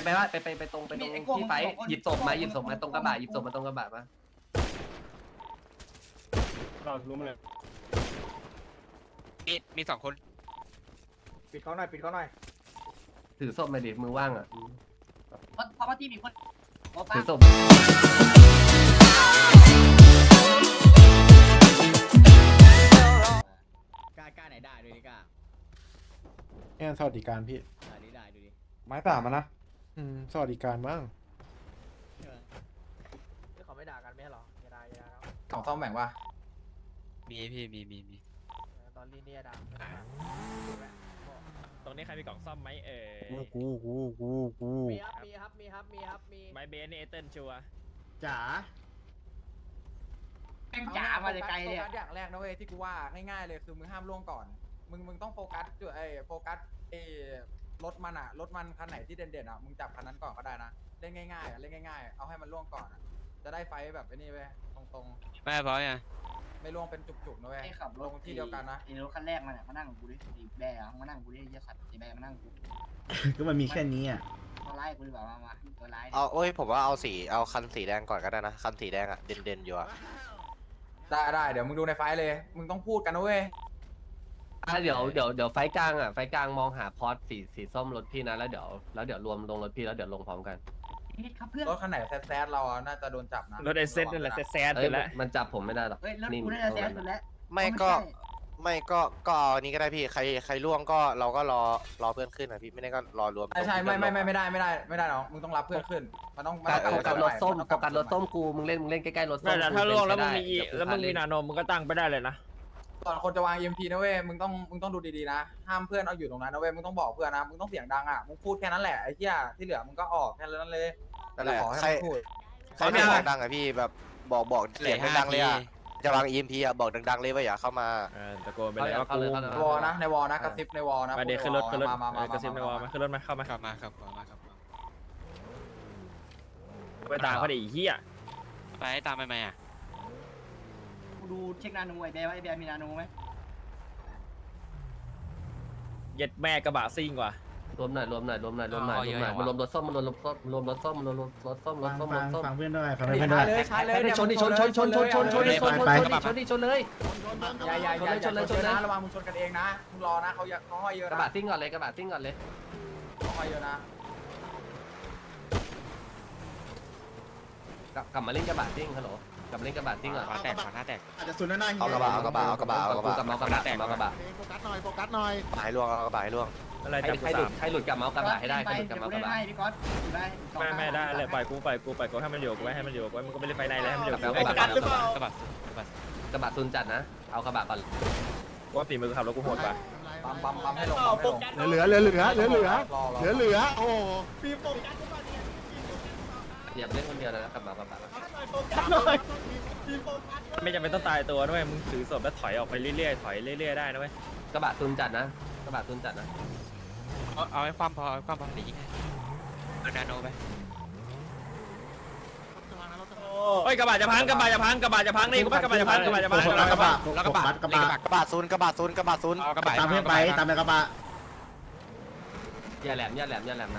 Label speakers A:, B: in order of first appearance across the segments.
A: ว่าไปตรงที่ไฟหยิบศพมาตรงกระบะหยิบศพมาตรงกระบะมา
B: เรารู้มาเลย
C: มี2 คน
D: ปิดเขาหน่อยปิดเขาหน่อย
A: ถือศพมาดิมือว่างอ่ะ
E: เพราะว่าที่มีคน
A: ถือศพ
E: กล้าไหนได้ดูดิกล้า
B: แอนสวัสดิการพี่
E: ได้ดูดิ
D: ไม้สามนะ
B: สวัสดิการมั้ง
D: เขาไม่ด่ากันไม่หรออย่าด่าแล้ว
F: กล่องซ่อมแบ่งป่ะ
C: มีพี่มี
D: ตอนนี้เนี่ยด่า
G: ตรงนี้ใครมีกล่องซ่อมไหม
B: กู
D: มีครับมี
G: ไมเบนนี่เอเติลชัว
E: จ๋าแม่งจ๋ามาจากไกลเลย
F: โฟกัสอย่างแรกนะเว้ยที่กูว่าง่ายๆเลยคือมึงห้ามล่วงก่อนมึงต้องโฟกัสจุดโฟกัสรถมันรถมันคันไหนที่เด่นๆมึงจับคันนั้นก่อนก็ได้นะเล่นง่ายๆเล่นง่ายๆเอาให้มันล่วงก่อนจะได้ไฟแบบนี้เว้ยตรง
C: ไม่เพราะไง
F: ๆไม่ล่วงเป็นจุกๆนะเว้ย
E: ไอ้ขับร
F: ล
E: ถ
F: งที่เดียวกันนะ
E: ไอ้รถคันแรกมันมานั่งกับกูดิไอ้แบร์มานั่งกูดิไอ้เหี้ยสัตว์ไอ้แบร์มานั่งกู
H: ก็มันมีแค่นี้อ่ะ
E: ตัวร้ายกูดีกว่ามาตัวร้าย
I: ผมว่าเอาคันสีแดงก่อนก็ได้นะคันสีแดงอ่ะเด่นอยู่อ่ะ
F: ได้เดี๋ยวมึงดูในไฟเลยมึงต้องพูดกันนะเว้ย
A: เดี๋ยวไฟกลางอ่ะไฟกลางมองหาพอร์ตสีส้มรถพี่นะแล้วเดี๋ยวรวมลงรถพี่แล้วเดี๋ยวลงพร้อมกัน
E: ครับเพื่อน
F: รถคันไหนแซดเราน่าจะโดนจับนะ
G: รถไอเซตนั่นแหละแซด
A: เอ้
G: สุ
A: ย
G: ดแล้ว
A: มันจับผมไม่ได้หรอก
E: เฮ้ยรถกูน่าจะแซงสุดแล้ว
I: ไม่ก็เอาอันนี้ก็ได้พี่ใครล่วงก็เราก็รอเพื่อนขึ้นนะพี่ไม่ได้ก็รอรวม
F: ใช่ไม่ได้น้องมึงต้องรับเพื่อนขึ้นมันต้อง
A: โฟกัสรถส้มโฟกัสรถส้มกูมึงเล่นใกล้ๆรถส้ม
G: แต่ถ้าล่วงแล้วมึงมี
A: เดี๋ย
G: แล้วมึงมีนาโนมึงก็ตั้งไปได้เลยนะ
F: ก่อนคนจะวาง EMP นะเว้ยมึงต้องดูดีๆนะห้ามเพื่อนเอาอยู่ตรงนั้นนะเว้ยมึงต้องบอกเพื่อนนะมึงต้องเสียงดังมึงพูดแค่นั้นแหละไอ้เหี้ยที่เหลือมึงก็ออกแค่นั้นเลย
I: นั่นแหละ
F: ขอให้
I: ใคร
F: มึงพูด
I: ไม่บอกดังอ่ะพี่แบบบอกเสียงดังเลยอ่ะจะวาง EMP อ่ะบอกดังๆเลยว่าอย่าเข้ามา
G: ตะโกนไปเลยว่ากู
F: ในวอนะในวอนะกระซิบในวอนะ
G: มาเด็กขึ้นรถ
F: มาก
G: ระซิบในวอลมาขึ้นรถมาเข้ามา
C: ขับมาครับ
G: ไปตามเขาดิเหี้ย
C: ไปตามไปไหม
E: กูดูเช็คนาโนไอ้แบร์ว่าไอ้แบร์มีนาโนไหม
G: เย็ดแม่กระบะซิ่งว่ะ
A: รวมหน่อยมารวมรถส้มรวมรถส้ม
H: ฟังเพื่อนด้วยฟัง
F: ดิ
H: เพื่อนด้วย
F: เลยช้าเลย
A: ชนเลยชนเลย
F: นะระวังมึงชนกันเองนะมึงรอนะเขาห้อยเยอะ
A: กระ
F: นะ
A: บะซิ่งก่อนเลย
F: เขาห้อยเยอะนะ
A: กลับมาเล่นกระบะซิ่งฮัลโหลกลับมาเล่นกระบะซิ่งอ่ะ
C: ขวาแตก
H: อาจจะสุดหน้า
I: เอากระบะ
A: กลับมากระบะ
H: โฟกัสหน่อย
I: หายล่วงเอากระบะให้ล่วง
G: อะไรจับกูสาม
A: ใครหลุดกลับมาเอากระบะให้ได้ใครหลุดกลับมาเอากระบะ
E: พี่ก๊อตได้
G: ไม่ได้เลยปล่อยกูให้มันอยู่กูให้มันอยู่กูมึงก็ไม่ได้ไฟในแล้วให้มันอยู่
C: กระบะ
A: ซุนจัดนะเอากระบะก่อน
G: ว่าฝีมือขับรถกูโหดป่ะ
F: ปั๊มให้ลง
H: เหลือโอ้ปีโฟกัส
A: อย่าเล่นคนเดียวนะกลับมากระบะ
G: ไม่จำเป็นต้องตายตัวด้วยมึงถือศพแล้วถอยออกไปเรื่อยๆได้นะเว้ย
A: กระบะซุนจัดนะ
C: เอาให้ความพอเดี๋ยวยิงให้เอานาโนไป
G: เฮ้ยกระบะจะพังนี่กูว่ากระบะจะพัง
H: กระบะศูนย์
C: เอากระบะ
H: ตามเพื่อนไปตามไปกระบะ
A: อย่าแหลมนะ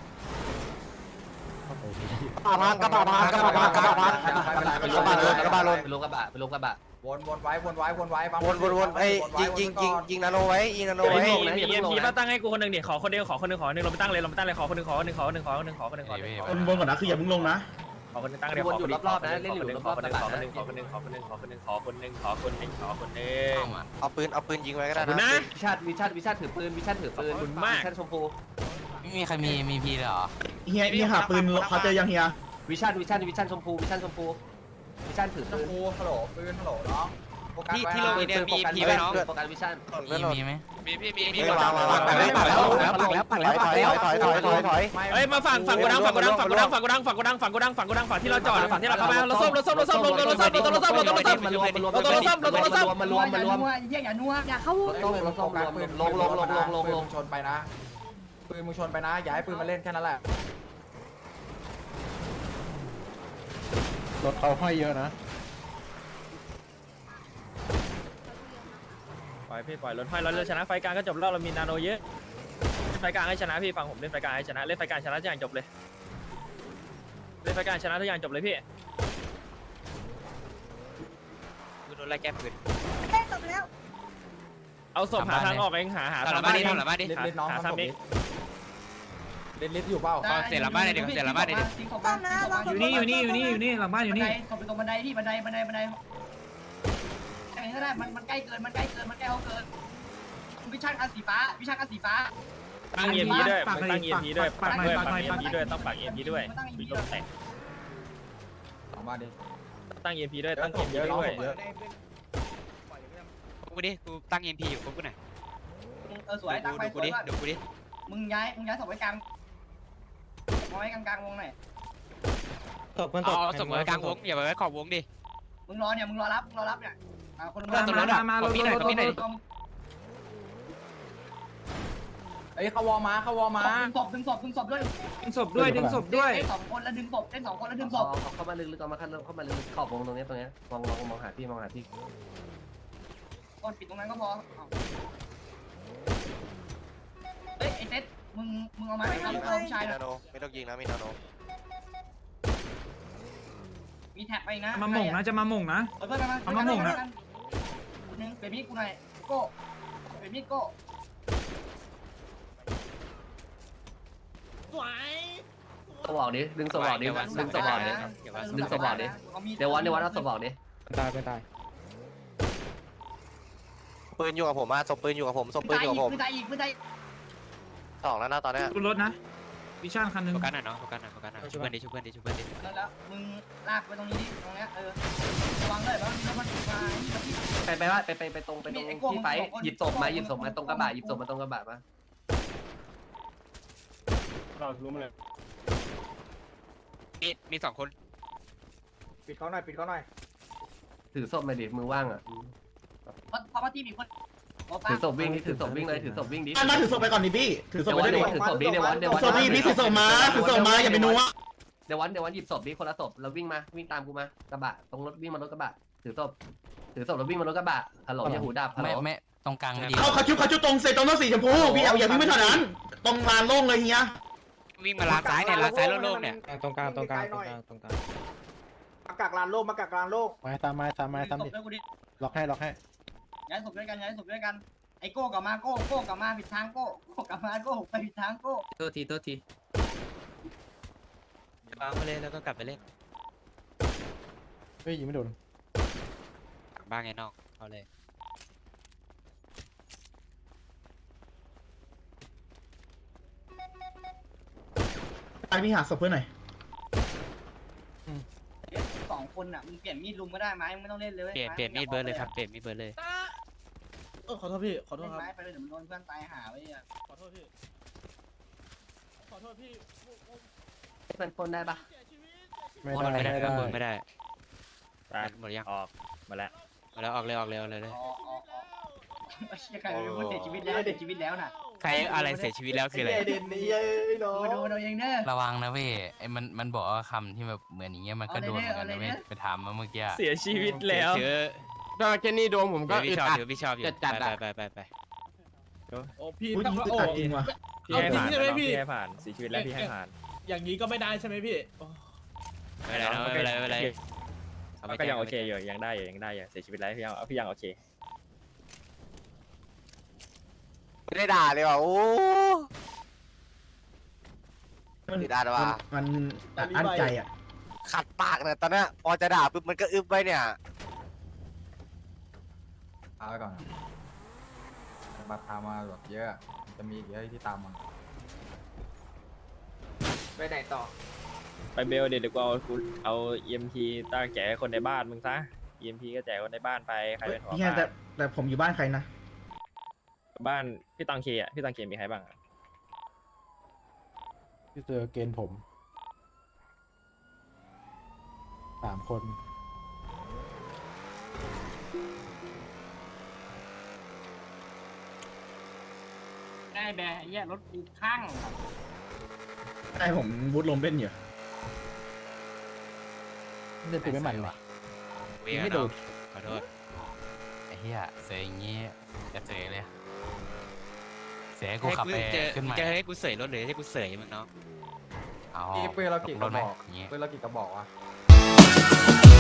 I: กระบะลง
A: ไปลงกระบะ
F: วนไว้
I: วนไอ้ยิงนาโนไว้ยิงนาโนไว้
G: มีเอ็มพีมาตั้งให้กูคนหนึ่งดิขอคนเดียวเราไปตั้งเลยขอคนหนึ่งขอคนหนึ่ง
H: บนก่อนนะคืออย่ามึงลงนะ
G: ขอคนหนึ่งตั้งเดี๋ยวขอคนหนึ่ง
I: เอาปืนยิงไว้ก็ได้
G: นะ
I: นะ
A: วิชัดถือปืนวิชัดชมพู
C: ไม่มีใครมีพีเลยเหรอ
H: เฮียหาปืนเขาเจอยังเฮีย
A: วิชัดชมพูวิชัดถือปืน
F: กูฮัลโหลปืนฮัลโหลน้องโฟกัสไว้
C: ที่ลงอีเนี่ยมีพีไหมน้อง
A: โฟกัสวิชัด
C: มีไหมมี
I: วางถอย
G: เฮ้ยมาฝั่งกูดังฝั่งที่เราจอดฝั่งที่เราเข้าไปรถส้ม
A: มารวม
E: อย่านัวอย่าเข้า
F: ลงชนไปนะปืนมึงชนไปนะอย่าให้ปืนมาเล่นแค่นั้นแหละ
B: รถเขาห้อยเยอะนะ
G: ปล่อยรถห้อยเราชนะไฟกลางก็จบแล้วเรามีนาโนเยอะไฟกลางให้ชนะพี่ฟังผมเล่นไฟกลางให้ชนะเล่นไฟกลางชนะทุกอย่างจบเลยเล่นไฟกลางชนะทุกอย่างจบเลยพี่
C: กูโดนไล่แก้ปืน
G: เอาศพหาทางออกเองหา
C: ทำหลังบ้านดิทำหลังบ้านดิ
F: เล่นน้อง
G: หา
F: ทำศ
G: ซ้ำ
F: พ
G: เอ
F: ดิ
G: ง
F: เล่นลิฟต์อยู่เปล่า
C: เสร็จหลังบ้านเลยดิเสร็จหลังบ้านเลยดิ
E: อยู่นี่หลังบ้านอยู่นี่ตบไปตรงบันไดที่บันไดอะไรก็ได้มันใกล้เกินมันใกล้เขาเกินวิชั่นอันสีฟ้า
G: ตั้ง EMP ด้วยตั้ง EMP ด้วยปัก EMP ด้วยต้องปัก EMP ด้วยมีลมแตก
F: หลังบ้านดิ
G: ตั้ง EMP ด้วยตั้ง EMP
F: เยอะน้อง
G: ด้วย
F: ศพเยอะ
C: กูดิกูตั้ง EMP อยู่กูไหน
E: สวยตั้งไป
C: ดูกูดิดูกูดิ
E: มึงย้ายศพไว้กลางเอาไว้กลางวงหน่อย
C: เอาส่งไว้กลางวงอย่าไปไว้ขอบวงดิ
E: มึงรอรับเนี่ยคน
C: มาขอพี่หน่อยขอพี่หน่อย
F: เอ้ยเขาวอมา
E: ดึงศพด้วย
B: ดึงศพด้วย
E: เล่นสองคนแล้วดึงศพ
A: เอาเข้ามาลึกๆเอามาเข้ามาลึกๆขอบวงตรงนี้มองหาพี่
E: กดปิดตรงนั้นก็พอเฮ้ยไอเซตมึงเอามาให้ครับผู้ชาย
I: มี
E: นะ
I: นาโนไม่ต้องยิงนะมีนาโน
E: มีแท็บไปนะ
H: มาหม่งนะจะมาหม่งนะ
E: เพื่อนมา
H: เอามาหม่งนะ
E: นึงเปลี่ยนมีดกูหน่อยโก้เปลี่ยนมีดโก้
A: สวอกดิดึงสวอกดิดึงสวอกดิ ดึงศพออกดิ เดี๋ยววันเอาสวอกดิ
B: ตายไปตาย
I: ปืนอยู่กับผมมาศพปืนอยู่กับผมศพปืนอยู่กับผม
E: ปืนตายอีก
I: สองแล้วนะตอนเนี้ย
H: รถนะวิชั่นคันนึง
C: โฟกัสหน่อยเนาะโฟกัสหน่อยช่วยเพื่อนดิช่วยเพื่อนดิช่วยเพื่อนดิ
E: แล้วมึงลากไปตรงนี้ดิตรงเนี้ยระวังเลยว่ามันมา
A: ไปตรงที่ไฟหยิบศพมาตรงกระบะมา
B: เรารู้มาเลย
C: มี2 คน
F: ปิดเขาหน่อย
A: ถือศพมาดิมือว่างอ่ะ
E: เพราะว่าที่มีคน
A: ถือศพวิ่งเลยถือศพวิ่งดิ
H: มาถือศพไปก่อนดิพี่ถือศพไปด้วยดิ
A: ถือศพดิเดี๋ยววัน
H: ศพพี่ถือศพมาอย่าไปนัว
A: เดี๋ยววันหยิบศพดิคนละศพแล้ววิ่งตามกูมากระบะตรงรถวิ่งมารถกระบะถือศพแล้ววิ่งมารถกระบะฮัลโหลอย่าหูดับฮัลโหล
C: ไม่ตรงกลางไม่ดี
H: เขาจุดตรงเซตรงสีชมพูพี่เอาอย่าวิ่งไม่เท่านั้นตรงลานโล่งเลยเฮีย
C: วิ่งมาลานซ้ายเนี่ยลานซ้ายโล่งๆเนี่ย
F: ตรงกลางอากาศลานโลก
B: มาตามล็อกให้
E: ย้ายศพด้วยกันไอโก้กลับมาโก้กลับมาผิดทางโก้กลับมาโก้ไปผิดทางโก้
C: โทษทีวางไปเลยแล้วก็กลับไปเล่น
B: เฮ้ยยิงไม่โดน
C: บ้างไงน้องเอาเลย
H: ไปพี่หาศพเพื่อนหน่อย
E: 2 คนอ่ะมึงเปลี่ยนมีดลุงก็ได้ไหมมึงไม่ต้องเล่นเลย
C: เปลี่ยนมีดเบิร์ดเลยครับเปลี่ยนมีดเบิร์ดเลย
H: ขอโทษพี่ขอโท
E: เล่
H: ษ
E: น
H: ครับ
E: ไม้ไปเลยเดี๋ยวมันโดนเพื่อนตายหาไว้อ่ะ
H: ขอโทษพี่
A: เป็นปนได้ปะ
B: ไม่ได้
C: ไม่ได้
G: ตาย
C: หมดยัง
G: ออกมาแล้ว
C: มาแล้วออกเลย
E: อ๋อใครเป็นคนเสียชีวิตแล้วน่ะ
C: ใครอะไรเสียชีวิตแล้วคืออะไร
E: มาดูเองเด้อ
C: ระวังนะเว้ยไอ้มันบอกว่าคำที่แบบเหมือนอย่างเงี้ยมันก็โดนเหมือนกันนะเว้ยไปถามมาเมื่อกี้
G: เสียชีวิตแล้ว
C: ถ้าแค่นี้โดนผมก็พี่ชอบอยู่จัดไป
G: โอ้พี่
H: อุ้ยยิงตัดจริงว่ะ
G: พี่ให้ผ่านพี่ให้ผ่านเสียชีวิตแล้วพี่ให้ผ่าน
H: อย่างนี้ก็ไม่ได้ใช่ไหมพี่
C: ไม่เป็นไร
G: ก็ยังโอเคอยู่ยังได้อยู่เสียชีวิตแล้วพี่ยังโอเค
I: ไม่ได้ด่าเลยว่ะโอ้ไม่ได้ด่าว่ะ
H: มันอั้นใจอ่ะ
I: ขัดปากเนี่ยตอนเนี้ยพอจะด่าปุ๊บมันก็อึบไปเนี่ย
F: เอาไปก่อนมาตามมาแบบเยอะจะมีเยอะที่ตามมาไปไหนต่อ
G: ไปเบลเดี๋ยวกูเอา EMP ตั้งแจกคนในบ้านมึงซะ EMP ก็แจกคนในบ้านไปใครเป็นหัว
H: พี่แต่ผมอยู่บ้านใครนะ
G: บ้านพี่ตังเคอ่ะพี่ตังเคมีใครบ้าง
B: พี่เจอเกณฑ์ผม3 คน
E: ได้แบร์แย่รถกูข้าง
H: ใช่ผมบูทลมเล่นอยู่
B: เล่นปืนไม่มันเลย
C: ไม่โดนขอโทษไอ้เหี้ยเสียอย่างงี้จะเสียเลยเสียให้กูขับไปขึ้นใหม่
J: จะให้กูเสยรถหรือให้กูเสยมึงเนาะ
C: เอา
F: ปืนเรากี่กระบอก
C: อย่างเงี้ย
F: ปืนเรากี่กระบอกวะ